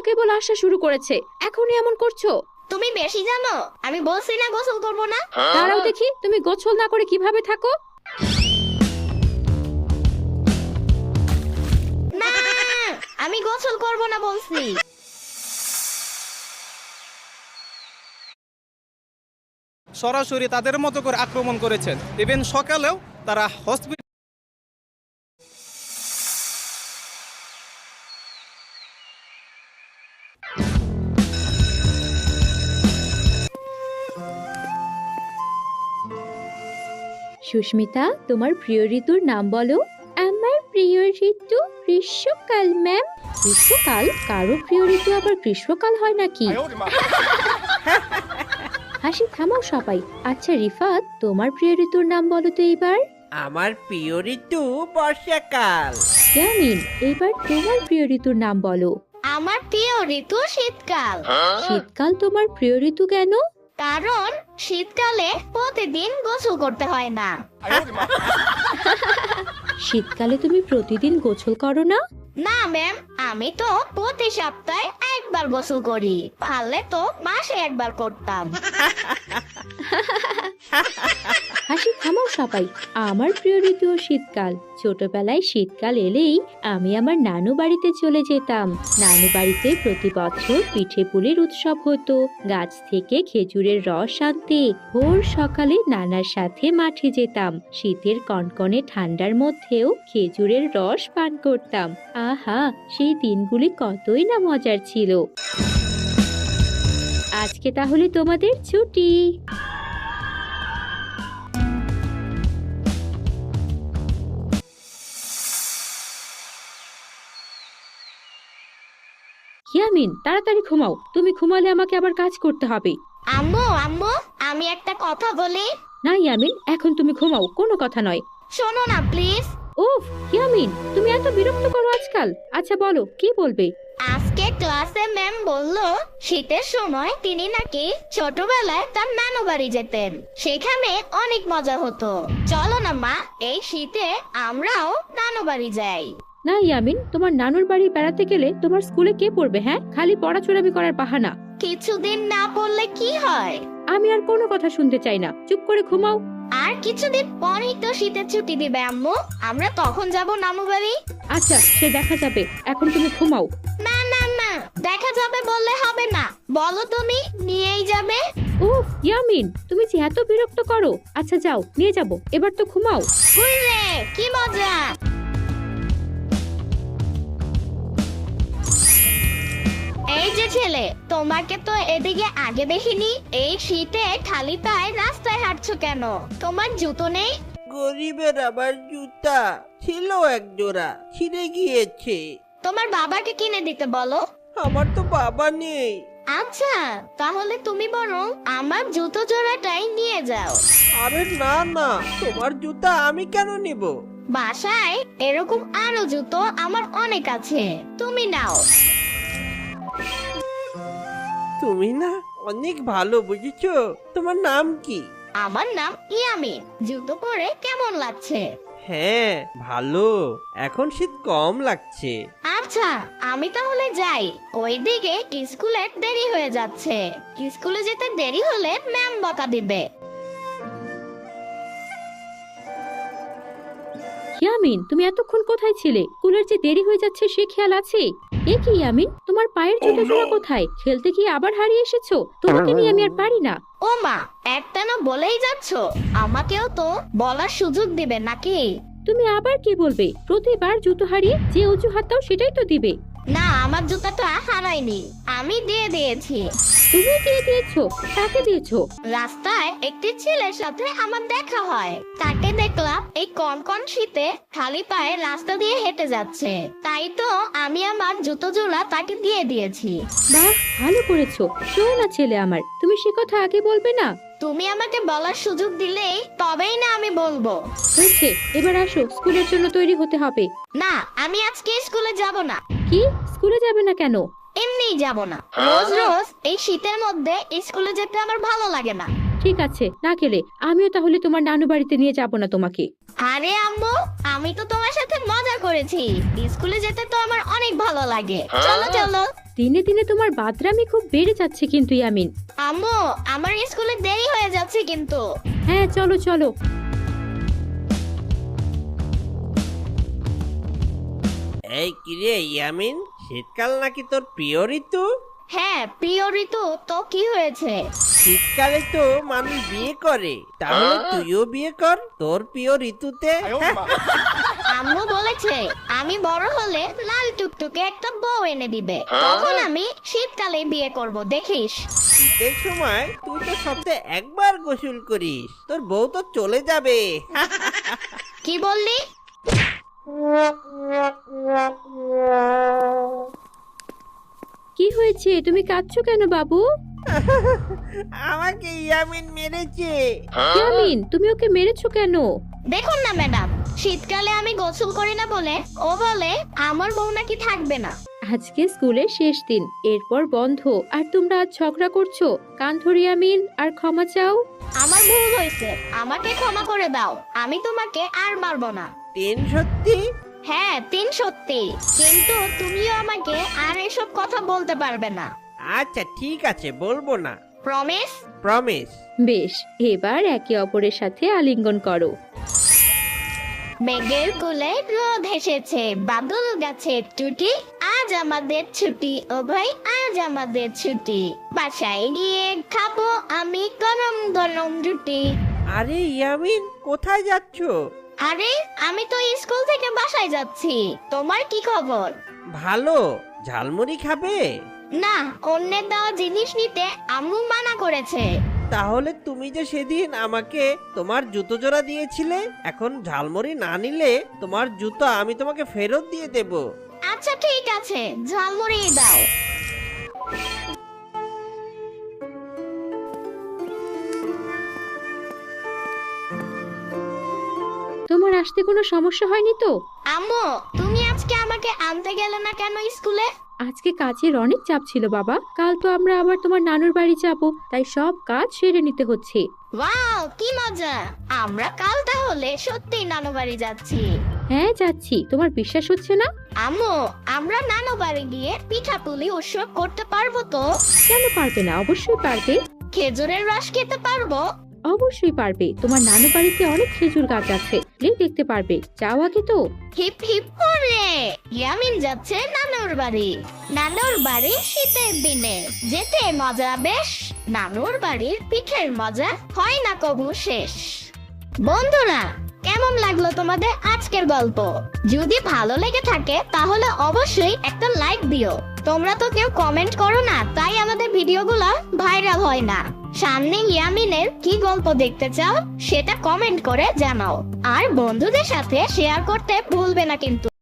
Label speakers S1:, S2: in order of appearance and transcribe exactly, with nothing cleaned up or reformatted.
S1: কেবল আসা শুরু করেছে, এখনই এমন করছো?
S2: তুমি বেশি জানো, আমি বলছি না গোসল করব না।
S1: দাঁড়াও দেখি, তুমি গোসল না করে কিভাবে থাকো?
S2: না, আমি গোসল করব না বলছি।
S3: সরাসরি তাদের মতো করে আক্রমণ করেছেন। ইভেন সকালেও তারা হসপিটাল
S1: সুস্মিতা, তোমার প্রিয় ঋতুর নাম বলো। আমার প্রিয় ঋতু গ্রীষ্মকাল ম্যাম। গ্রীষ্মকাল? কারো প্রিয় ঋতু আবার গ্রীষ্মকাল হয় নাকি? হাসি থামাও সবাই। আচ্ছা রিফাত, তোমার প্রিয় ঋতুর নাম বলো তো এইবার।
S4: আমার প্রিয় ঋতু বর্ষাকাল।
S1: ইয়ামিন, এইবার তোমার প্রিয় ঋতুর নাম বলো।
S2: আমার প্রিয় ঋতু শীতকাল।
S1: শীতকাল তোমার প্রিয় ঋতু কেন?
S2: কারণ শীতকালে প্রতিদিন গোসল করতে হয় না।
S1: শীতকালে তুমি প্রতিদিন গোসল করো না?
S2: না ম্যাম, আমি তো প্রতি সপ্তাহে একবার গোসল করি, পারলে তো মাসে একবার করতাম।
S1: হাসি থামাও সবাই। আমার প্রিয় ঋতু শীতকাল। ছোটবেলায় শীতকাল এলেই আমি আমার নানু বাড়িতে চলে যেতাম। নানু বাড়িতে প্রতি বছর পিঠে পুলির উৎসব হতো। গাছ থেকে খেজুরের রস আনতে ভোর সকালে নানার সাথে মাঠে যেতাম। শীতের কনকনে ঠান্ডার মধ্যেও খেজুরের রস পান করতাম। আহা, সেই দিনগুলি কতই না মজার ছিল। আজকে তাহলে তোমাদের ছুটি। ইয়ামিন, তাড়াতাড়ি ঘুমাও। তুমি ঘুমালে আমাকে আবার কাজ করতে হবে।
S2: আম্মু আম্মু, আমি একটা কথা বলি।
S1: না ইয়ামিন, এখন তুমি ঘুমাও, কোনো কথা নয়।
S2: শোনো না প্লিজ।
S1: উফ ইয়ামিন, তুমি এত বিরক্ত করো আজকাল। আচ্ছা বলো, কি বলবে?
S2: আজকে ক্লাসে ম্যাম বলল শীতের সময় তিনি নাকি ছোটবেলায় তার নানু বাড়ি যেতেন, সেখানে অনেক মজা হতো। চলো না মা, এই শীতে আমরাও নানু বাড়ি যাই।
S1: না ইয়ামিন, তোমার নানুর বাড়ি বেড়াতে গেলে তোমার স্কুলে কে পড়বে? হ্যাঁ, খালি পড়াচোরামি করার বাহানা।
S2: কিছুদিন না পড়লে কি হয়?
S1: আমি আর কোনো কথা শুনতে চাই না, চুপ করে ঘুমাও।
S2: আর কিছুদিন পরেই তো শীতের ছুটি দিবে আম্মু, আমরা তখন যাব নানু বাড়ি।
S1: আচ্ছা, সে দেখা যাবে, এখন তুমি ঘুমাও।
S2: না না না, দেখা যাবে বললে হবে না, বলো তুমি নিয়েই যাবে।
S1: উফ ইয়ামিন, তুমি যে এত বিরক্ত করো। আচ্ছা যাও, নিয়ে যাব, এবার তো ঘুমাও।
S2: হুররে, কি মজা। এই যে ছেলে, তোমাকে তো এদিকে আগে দেখিনি। এই শীতে খালি পায়ে রাস্তায় হাঁটছো কেন? তোমার জুতো নেই?
S4: গরিবের আবার জুতা ছিল এক জোড়া, ছিঁড়ে গিয়েছে।
S2: তোমার বাবাকে কিনে দিতে বলো।
S4: আমার তো বাবা নেই।
S2: আচ্ছা, তাহলে তুমি বরং আমার জুতো জোড়াটাই নিয়ে যাও।
S4: আরে না না, তোমার জুতা আমি কেন নিব?
S2: বাসায় এরকম আরো জুতো আমার অনেক আছে, তুমি নাও।
S4: তুমি না অনেক ভালো, বুঝেছো? তোমার নাম কি?
S2: আমার নাম ইয়ামিন। জুতো পরে কেমন লাগছে?
S4: হ্যাঁ ভালো, এখন শীত কম লাগছে।
S2: আচ্ছা, আমি তাহলে যাই। ওইদিকে স্কুলের দেরি হয়ে যাচ্ছে। স্কুলে যেতে দেরি হলে ম্যাম বকা দিবে।
S1: ইয়ামিন, তুমি এতক্ষণ কোথায় ছিলে? স্কুলের যে দেরি হয়ে যাচ্ছে সে খেয়াল আছে? এ কি ইয়ামিন, তোমার পায়ের জুতো জোড়া কোথায়? খেলতে গিয়ে আবার হারিয়ে এসেছো? তোমাকে নিয়ে আমি আর পারি না।
S2: ও মা, একটা না বলেই যাচ্ছ, আমাকেও তো বলার সুযোগ দিবে নাকি?
S1: তুমি আবার কি বলবে? প্রতিবার জুতো হারিয়ে যে অজুহাত দাও সেটাই তো দিবে।
S2: না, আমার জুতাটা হারায়নি, আমি দিয়ে দিয়েছি।
S1: তুমি দিয়ে দিয়েছো? কাকে দিয়েছো?
S2: রাস্তায় একটি ছেলের সাথে আমার দেখা হয়, তাকে দেখলাম এই কনকন শীতে খালি পায়ে রাস্তা দিয়ে হেঁটে যাচ্ছে, তাই তো আমি আমার জুতো জোড়া তাকে দিয়ে দিয়েছি।
S1: বাহ, ভালো করেছো। শোনো না ছেলে আমার, তুমি সে কথা আগে বলবে না?
S2: তুমি আমাকে বলার সুযোগ দিলেই তবেই না আমি বলবো।
S1: হয়েছে, এবার আসো, স্কুলের জন্য তৈরি হতে হবে।
S2: না, আমি আজকে স্কুলে যাব না।
S1: কি, স্কুলে যাবে না কেন?
S2: এমনিই যাব না। রোজ রোজ এই শীতের মধ্যে স্কুলে যেতে আমার ভালো লাগে না।
S1: ঠিক আছে, না গেলে আমিও তাহলে তোমার নানু বাড়িতে নিয়ে যাব না তোমাকে।
S2: আরে আম্মু, আমি তো তোমার সাথে মজা করেছি। স্কুলে যেতে তো আমার অনেক ভালো লাগে। চলো চলো।
S1: দিনে দিনে তোমার বাদরামি খুব বেড়ে যাচ্ছে কিন্তু ইয়ামিন।
S2: আম্মু আমার স্কুলে দেরি হয়ে যাচ্ছে কিন্তু।
S1: হ্যাঁ চলো চলো।
S4: এই কিরে ইয়ামিন, শীতকাল নাকি তোর প্রিয় ঋতু?
S2: হ্যাঁ প্রিয় ঋতু, তো কি হয়েছে?
S4: শীতকালে তো মানুষ বিয়ে করে, তাহলে তুইও বিয়ে কর তোর প্রিয় ঋতুতে।
S2: আম্মু বলেছে আমি বড় হলে লাল টুকটুকে একটা বউ এনে দিবে, তখন আমি শীতকালে বিয়ে করব, দেখিস।
S4: শীতের সময় তুই তো সপ্তাহে একবার গোসল করিস, তোর বউ তো চলে যাবে।
S2: কি বললি?
S1: কি হয়েছে, তুমি কাঁদছো কেন বাবু?
S4: আমাকে ইয়ামিন মেরেছে।
S1: ইয়ামিন, তুমি ওকে মেরেছো কেন?
S2: দেখুন না ম্যাডাম, শীতকালে আমি গোসল করি না বলে ও বলে আমার বউ নাকি থাকবে না।
S1: আজকে স্কুলের শেষ দিন, এরপর বন্ধ, আর তোমরা আজ ঝগড়া করছো। কান ধরি ইয়ামিন, আর ক্ষমা চাও।
S2: আমার ভুল হয়েছে, আমাকে ক্ষমা করে দাও, আমি তোমাকে আর মারবো না।
S4: টেন সত্যি?
S2: হ্যাঁ তিন সত্যি, কিন্তু তুমিও আমাকে আর এসব কথা বলতে পারবে না।
S4: আচ্ছা ঠিক আছে, বলবো না।
S2: প্রমিস?
S4: প্রমিস।
S1: বেশ, এবার একে অপরের সাথে আলিঙ্গন করো।
S2: মেঘের কোলে রোদ এসেছে, বাদল গাছে টুটি, আজ আমাদের ছুটি ও ভাই, আজ আমাদের ছুটি, বাসায় গিয়ে খাবো আমি গরম গরম রুটি।
S4: আরে ইয়ামিন, কোথায় যাচ্ছো?
S2: আরে আমি তো স্কুল থেকে বাসায় যাচ্ছি, তোমার কি খবর?
S4: ভালো। ঝালমুড়ি খাবে?
S2: না, অন্যের দেওয়া জিনিস নিতে আম্মু মানা করেছে।
S4: তাহলে তুমি যে সেদিন আমাকে তোমার জুতো জোড়া দিয়েছিলে, এখন ঝালমুড়ি না নিলে তোমার জুতো আমি তোমাকে ফেরত দিয়ে দেব।
S2: আচ্ছা ঠিক আছে, ঝালমুড়ি দাও।
S1: তোমার আসতে কোনো সমস্যা হয়নি তো?
S2: আম্মু তুমি আজকে আমাকে আনতে গেলে না কেন স্কুলে?
S1: আজকে কাজের অনেক চাপ ছিল বাবা, কাল তো আমরা আবার তোমার নানুর বাড়ি যাব, তাই সব কাজ সেরে নিতে হচ্ছে।
S2: ওয়াও কি মজা, আমরা কাল তাহলে সত্যি নানু বাড়ি যাচ্ছি।
S1: হ্যাঁ যাচ্ছি, তোমার বিশ্বাস হচ্ছে না?
S2: আম্মু আমরা নানু বাড়ি গিয়ে পিঠাপুলি উৎসব করতে পারবো তো?
S1: কেন পারবে না, অবশ্যই পারবে।
S2: খেজুরের রস খেতে পারবো?
S1: অবশ্যই পারবে, তোমার নানু বাড়িতে অনেক খেজুর গাছ আছে, গেলেই দেখতে পারবে। যাও আগে তো।
S2: হিপ হিপ করে ইয়ামিন যাচ্ছে নানুর বাড়ি। নানুর বাড়ি শীতের দিনে যেতে মজা বেশ, নানুর বাড়ির পিঠের মজা হয় না কবু শেষ। বন্ধুরা কেমন লাগলো তোমাদের আজকের গল্প? যদি ভালো লেগে থাকে তাহলে অবশ্যই একটা লাইক দিও। তোমরা তো কেউ কমেন্ট করো না, তাই আমাদের ভিডিওগুলো ভাইরাল হয় না। সামনে ইয়ামিনের কি গল্প দেখতে চাও সেটা কমেন্ট করে জানাও, আর বন্ধুদের সাথে শেয়ার করতে ভুলবে না কিন্তু।